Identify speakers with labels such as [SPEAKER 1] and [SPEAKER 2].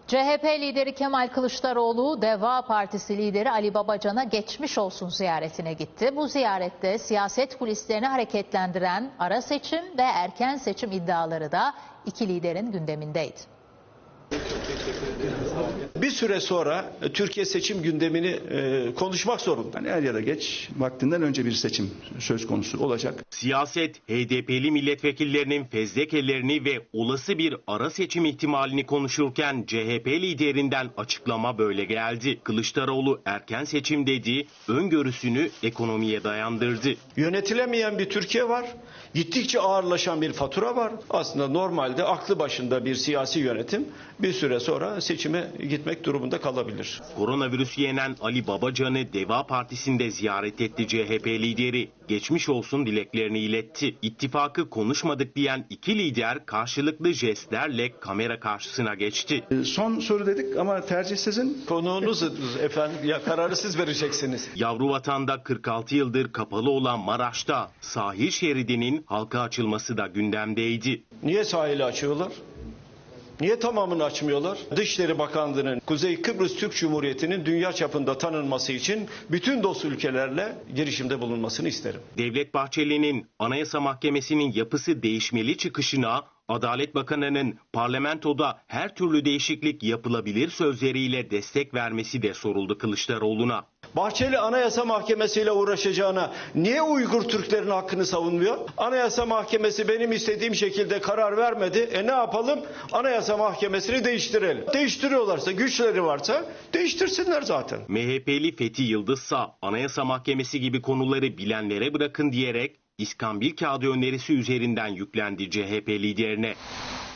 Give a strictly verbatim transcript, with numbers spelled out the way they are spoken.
[SPEAKER 1] C H P lideri Kemal Kılıçdaroğlu, Deva Partisi lideri Ali Babacan'a geçmiş olsun ziyaretine gitti. Bu ziyarette siyaset kulislerini hareketlendiren ara seçim ve erken seçim iddiaları da iki liderin gündemindeydi.
[SPEAKER 2] Bir süre sonra Türkiye seçim gündemini e, konuşmak zorunda.
[SPEAKER 3] Yani er ya da geç vaktinden önce bir seçim söz konusu olacak.
[SPEAKER 4] Siyaset, H D P'li milletvekillerinin fezlekelerini ve olası bir ara seçim ihtimalini konuşurken C H P liderinden açıklama böyle geldi. Kılıçdaroğlu erken seçim dedi, öngörüsünü ekonomiye dayandırdı.
[SPEAKER 2] Yönetilemeyen bir Türkiye var. Gittikçe ağırlaşan bir fatura var. Aslında normalde aklı başında bir siyasi yönetim bir süre sonra seçime gitmek durumunda kalabilir.
[SPEAKER 4] Koronavirüsü yenen Ali Babacan'ı Deva Partisi'nde ziyaret etti C H P lideri. Geçmiş olsun dileklerini iletti. İttifakı konuşmadık diyen iki lider karşılıklı jestlerle kamera karşısına geçti.
[SPEAKER 3] Son soru dedik ama tercih sizin.
[SPEAKER 2] Konuğunuz efendim, ya kararı siz vereceksiniz.
[SPEAKER 4] Yavruvatan'da kırk altı yıldır kapalı olan Maraş'ta sahil şeridinin halka açılması da gündemdeydi.
[SPEAKER 2] Niye sahili açıyorlar? Niye tamamını açmıyorlar? Dışişleri Bakanlığı'nın Kuzey Kıbrıs Türk Cumhuriyeti'nin dünya çapında tanınması için bütün dost ülkelerle girişimde bulunmasını isterim.
[SPEAKER 4] Devlet Bahçeli'nin Anayasa Mahkemesi'nin yapısı değişmeli çıkışına Adalet Bakanı'nın parlamentoda her türlü değişiklik yapılabilir sözleriyle destek vermesi de soruldu Kılıçdaroğlu'na.
[SPEAKER 2] Bahçeli Anayasa Mahkemesi ile uğraşacağına niye Uygur Türklerin hakkını savunmuyor? Anayasa Mahkemesi benim istediğim şekilde karar vermedi. E ne yapalım? Anayasa Mahkemesi'ni değiştirelim. Değiştiriyorlarsa, güçleri varsa değiştirsinler zaten.
[SPEAKER 4] M H P'li Fethi Yıldızsa Anayasa Mahkemesi gibi konuları bilenlere bırakın diyerek İskambil kağıdı önerisi üzerinden yüklendi C H P liderine.